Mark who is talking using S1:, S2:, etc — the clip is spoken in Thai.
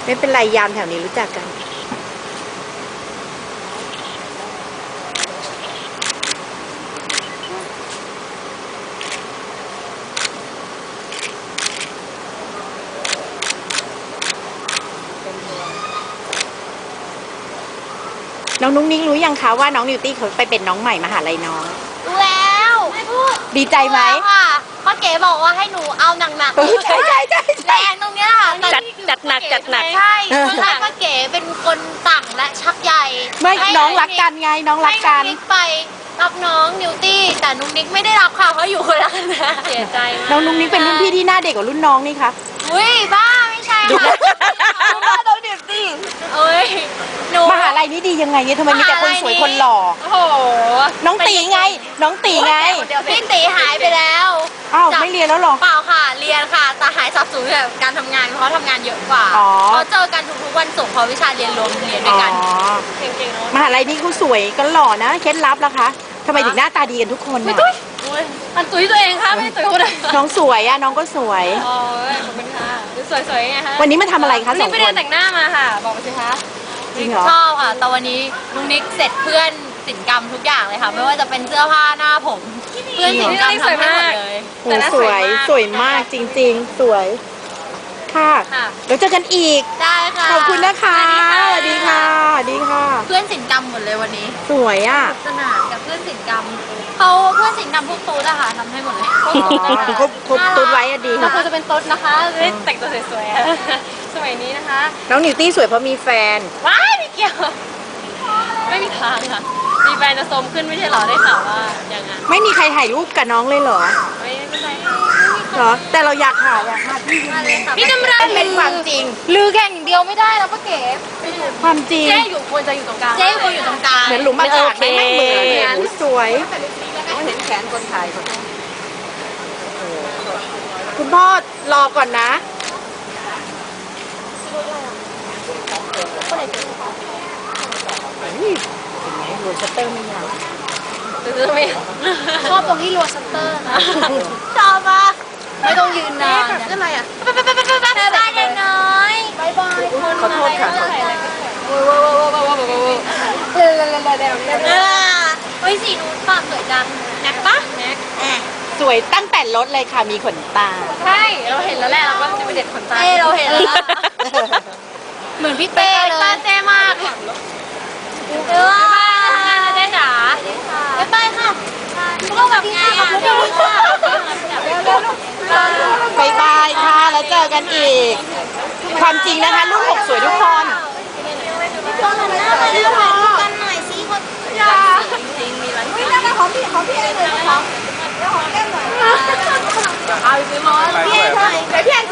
S1: ไม่เป็นไรยามแถวนี้รู้จักกันน้องนุ้งนิ้งรู้ยังคะว่าน้องนิวตี้เขาไปเป็นน้องใหม่มหาลัยน้อง
S2: รู้แล้วพูด
S1: ดีใจไหม
S2: ค่ะป้าเก๋บอกว่าให้หนูเอาหนักๆ
S1: ใช่ใช่ใช่
S2: แรงตรงเนี้ยค่ะ
S3: จัดหนักจัดหนัก
S2: ใช่คือให้ป้าเก๋เป็นคนสั่งและชักใย
S1: ไม่
S2: ให้
S1: น้องรักกันไงน้องรักกัน
S2: ให้นุ๊กนิกไปรับน้องนิวตี้แต่นุ๊กนิกไม่ได้รับค่ะเพราะอยู่คนละคณะ
S3: เสียใจมาก
S1: น้องนุ้งนิ้งเป็นรุ่นพี่ที่หน้าเด็กกว่ารุ่นน้องนี่คะ
S2: อุ้ยบ้าไม่ใช่ค่ะบ้าน้องนิวตี้เอ้ยหนู
S1: มหาลัยนี้ดียังไงเนี่ยทำไมมีแต่คนสวยคนหล่อ
S2: โอ้โห
S1: น้องตีไง น้องตีไง
S2: เดี๋ยวพี่ตีหายไปแล้ว
S1: อ้าวไม่เรียนแล้วเหรอ
S2: เปล่าค่ะเรียนค่ะแต่หายสับสนกับการทำงานเพราะทำงานเยอะกว่า
S1: อ๋อ
S2: เขาเจอกันทุกๆวันศุกร์เพราะวิชาเรียนรวมเรียนด้
S1: อ๋
S2: ว
S1: อย
S2: กัน
S3: เก่งๆเนาะ
S1: มหาลัยนี้เขาสวยกันหล่อนะเคล็ดลับล่ะคะทำไมถึงหน้าตาดีกันทุกคนน่ะ
S3: อุ้ยอันตุ้ยตัวเองค่ะไม่ได้ตุ้ยคนอื่น
S1: น้องสวยอะน้องก็สวย
S3: โอ้ยขอบคุณค่ะดูสวยๆไงคะ
S1: วันนี้มาทำอะไรคะ
S3: วัน
S1: สอ
S3: นี้
S1: ง
S3: ไป
S1: ค
S3: เรีย
S1: น
S3: นแต่งหน้ามาค่ะ บอกมาสิคะ
S1: จริงเหรอ
S2: ชอบค่ะแต่วันนี้ลุงนิกเสร็จเพื่อนศิลปกรรมทุกอย่างเลยค่ะ ไม่ว่าจะเป็นเสื้อผ้าหน้าผม เพื่อนศิลปกรรมทำให้หมดเลย
S1: โอ้สวยสวยมากจริง ๆ สวยค่ะ
S3: ค่ะ
S1: เดี๋ยวเจอกันอีก
S2: ได้ค่ะ
S1: ขอบคุณนะคะสวัสดีค่ะสวัสดีค่ะ
S2: เพื่อนศิลปกรรมหมดเลยวันนี้
S1: สวยอ่ะ
S2: สนานกับเพื่อนศิลปกรรมเขาเพื่อนศิลปกรรมพวกตูดอะค่ะทำให้หมดเลย
S1: อ๋อครบตุ๊ดไว้อะดี
S3: เราควรจะเป็นตุ๊ดนะคะจะได้แต่งตัวสวยๆอะสมัยนี้นะคะ
S1: น้องนิวตี้สวยเพราะมีแฟน
S3: ว้ายไม่เกี่ยว ไม่มีทางค่ะมีแฟนจะโทรมขึ้นไม่ใช่เหรอได้ข่าวว่าอย่างนั้น
S1: ไม่มีใครถ่ายรูปกับน้องเลยเหรอ
S3: ไม่เป็นไร
S1: เหรอ แต่เราอยากถ่ายอะค่ะพี่
S2: มาเลยค่ะ
S3: พี่จำเริญ
S1: เป็นความจริง
S2: ลือแข่งอย่างเดียวไม่ได้แล้วป้าเก๋
S1: ความจริง
S3: เจ๊อยู่ควรจะอยู่ตรงกลาง
S2: เจ๊ควรอยู่ตรงกลาง
S1: เหมือนหลุมอากาศ
S3: โอเค
S1: ไม่เหมือนเนี่ยโอ้สวย
S3: เห็นแขนคนถ่ายคน
S1: คุณพ่อรอก่อนนะ นี่เห็นไหมโรสเตอร์ไม่ยาว
S3: ซื้อไม่
S2: ชอบตรงที่รัวชัตเตอร์นะชอบมากไม่ต้องยืนนานเนี่ย
S3: อะไรอ่ะ
S2: บ๊ายบายเด็กน้อยบ๊ายบายคน
S1: ขอโทษค่ะ
S2: เฮ้ยสีนู้นปากสวยจังแน็กปะแน็ก
S1: สวยตั้งแต่รถเลยค่ะ มีขนตา
S3: ใช่เราเห็นแล้วแหละเราก็จะไปเด็ดขนตา
S2: เต้เราเห็นแล้วเหมือนพี่เต้เลย
S3: เต้มาก
S2: เออ
S3: เต้จ๋า
S2: บ๊ายบายค่ะพวกเราแบบงานขอบคุณค่ะ
S1: บายบายค่ะ แล้วเจอกันอีก ความจริงนะคะลูกหกสวยทุกคน
S2: ตอนหันหน้ามาเร็วถ่ายรูปกันหน่อยสิคนจ้า
S3: จริงมีร้าน
S2: เฮ้ยแล้วของพี่อะไรเลยนะคะแล้วของแก้มหน่อย
S3: เอาไปซื้อมา
S2: พี่แอนถ่ายเดี๋ยวพี่แอน